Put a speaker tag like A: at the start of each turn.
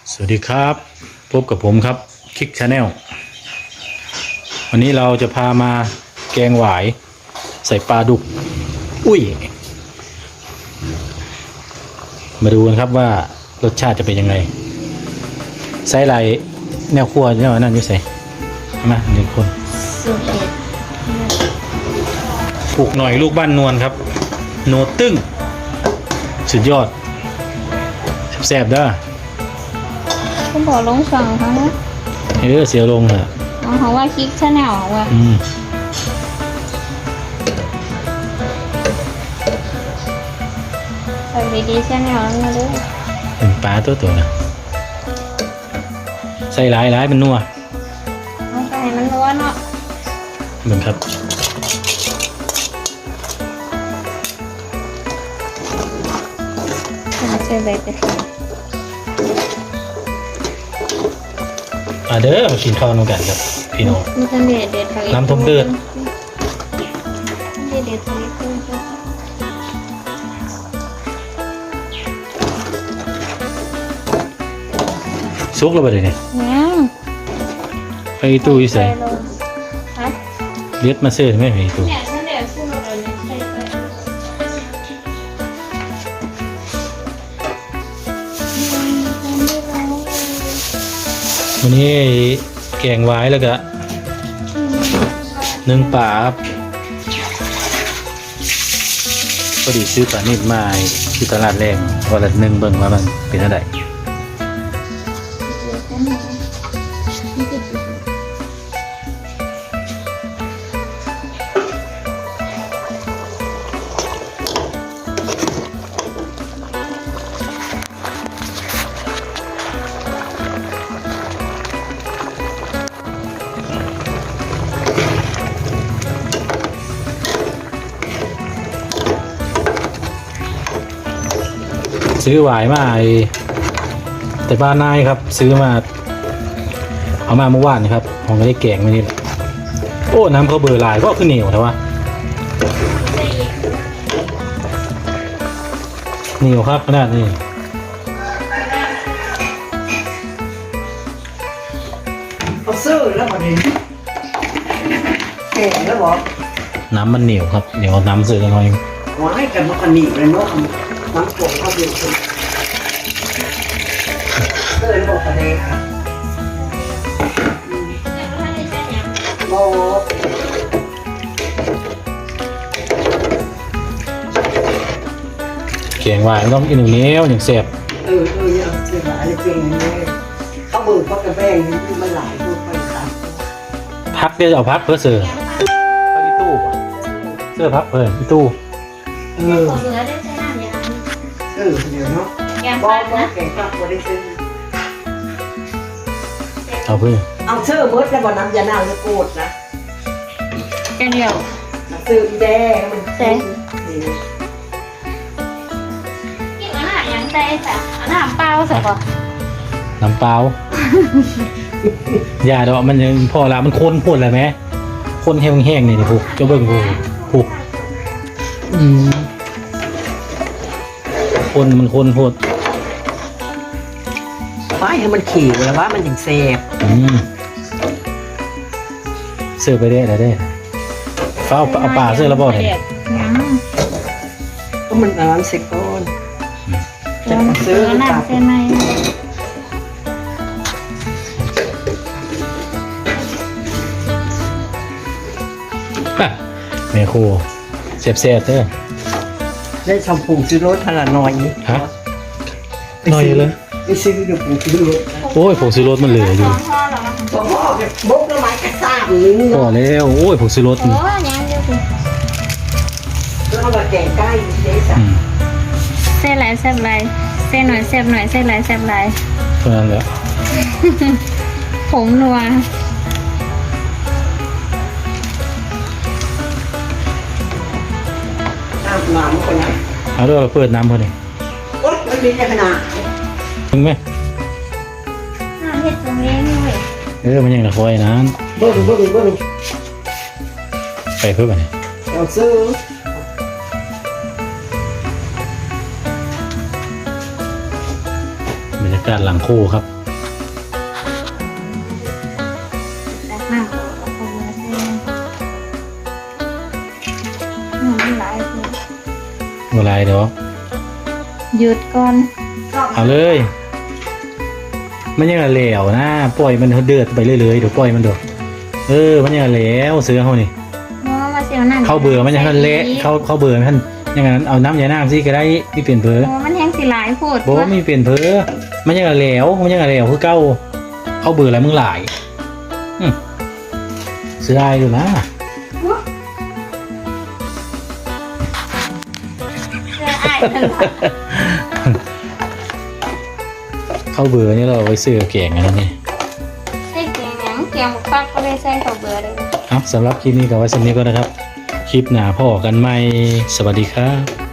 A: สวัสดีครับพบกับผมครับคิกชาแนลวันนี้เราจะพามาแกงหวายใส่ปลาดุกอุ้ยมาดูกันครับว่ารสชาติจะเป็นยังไงใส่ไรแนวครัวเนี่ยนั่นอยู่ใส่มาหนึ่งคนปลูกหน่อยลูกบ้านนวลครับโนตึ้งสุดยอดแซ่บๆเด้อ
B: คุณบอกลงสั่งเขานะ
A: เสียลงเหรอ
B: เขาว่าคลิกชาแนลว่าใส่ดีๆชาแนลแล้วมาด้วย
A: เป็นปลาตัวนะใส่หลายมันนัว
B: เอาใส่มันนัวเนาะ
A: เหมือนครับ
B: ใส่ใบกระเทียม
A: เด้อมากินข้าวน้ำกันครับพี่น้อง
B: มันเด็ด
A: น้ำต้มเดือด
B: เด็ดทะเลกุ้ง
A: ซุกแล้วไปเลยเนี่ยไปตู้ยี่ใส่เลียดมาเสื้อไม่ไปตู้วันนี้แกงไว้แล้วก็นึ่งปลาครับพอดีซื้อปลานิดมาที่ตลาดแรงวันละ1เบิ่งว่ามันเป็นเท่าไหร่ซื้อหวายมาแต่บ้านนายครับซื้อมาเอามาเมื่อวานนะครับผมก็ได้แกงไว้นี่แหละโอ้น้ำเขาเบอร์ลายก็ขึ้นเหนียวแต่ว่าเหนียวครับขนาดนี้
C: เอาซื้อแล้วมาดิแกงแล้วบอก
A: น้ำมันเหนียวครับเดี๋ยวน้ำเสือกันหน่อย
C: หวายกันมันก็หนีเลยเนาะน้ำโขกเขาเดียวกันเกินบอกกันเลยค่ะโอ้
A: แกงหวายต้องกินเหนียวอย่างแซ่บ
C: เนี่ยเสียหายเลยเก่งเลยเขาเบิกเขากระแบงมันหลายตัวไปค่ะ
A: พักเดี๋ยวเอาพักเพื่อเสือพักอีตู้เสื้อพักเพื่ออีตู้
B: เหลือได้ใช้น้ำอย่างนั้น
C: เดี๋ยวเนาะ
B: แกงปักนะ
C: แกงปักบ่ได้ซื้อ
A: เอาเพื่อ
C: เอาเสื้อเบิร์ดแล้วบ่น้ำยาหน้าจะโกรธนะ
B: แกงเดียว
C: ซื้อแดงมัน
B: แดงกินอาหารยังใจจ้ะอาหารเปล่าใส่ป่ะ
A: น้ำเปล่าอย่าดอกมันยังพอละมันข้นพูดอะไรไหมข้นแห้งๆนี่ดิพวกเจ้าเบิ้งพวกคนมันคนโหด
C: ป้ายให้มันขี่แล้วว่ามันยังเซฟ
A: เสื้อไปได้อะไรได้ฟ้าเอาป่าเสื้อระบอดเลย
C: ก็มันน้ำเซ็กก้อน
B: จะซื้อน้ำเส้นไหม
A: แม่ครูเสียบเด้อ
C: ได้ชมพูซื้อรถขนาดน้อยนี้
A: ฮะน้อยเลย
C: ไปซื้อเดี๋ยวผมซื้อรถ
A: โอ้ยผมซื้อรถมันเหลืออยู่
C: พ่อแบบบกต้นไม้กระซ่านึง
A: พอแล้วโอ้ยผมซื้อรถ
B: โอ้ยยังเดียวสิ
C: แล้วเราแกงใกล้เจ๊จ้ะ
B: เส้นไหลแซ่บไหลเส้นหน่อยแซ่บหน่อยเส้นไหลแซ่บไหล
A: เท่านั้นแหละ
B: ผงนัว
C: น้ำคนนั้น
A: เอาด้วยเปิดน้ำพอดี
C: โอ๊ยมันมีขนาด
A: ถึงไหม
B: น้ำเห็ดตรงนี้ด้วย
A: มันยังตะคอยนะ
C: เบิ้ง
A: ไปเพื่อไปเนี่ย
C: เอาซื้อบ
A: รรยากาศหลังคู่ครับเวลาเดี๋ยว
B: หยุดก่อน
A: เอาเลย มันยังเหลวนะปล่อยมันเดือดไปเรื่อยๆเดี๋ยวปล่อยมันเดือดมันยังเหลวเสือเขานี่
B: เพราะว่ามาเสียวนั่น
A: เข้าเบื่อมันยังเละเข้าเบื่อมันอย่างนั้นเอาน้ำยาน้ำสิก็ได้ไม่เปลี่ยนเผลอ
B: โอ้มันแห้งสิหลายโพด
A: บอกว่าไม่เปลี่ยนเผลอมันยังเหลวคือเก้าเข้าเบื่อแล้วมึงหลายเสืออายอยู่นะ
B: เสื้ออ้ายนั่นล่ะ
A: เข้าเบื่อนี่เราเอาไว้ซื้อแกงอะไรนี่
B: ใส่แกงหยังแกงหมูฟักก็ได้ใส่ข้าวเบื่อเลย
A: ครับสำหรับคลิปนี้ก็ไว้สำนี้ก็นะครับ คลิปหน้าพ่อกันใหม่สวัสดีครับ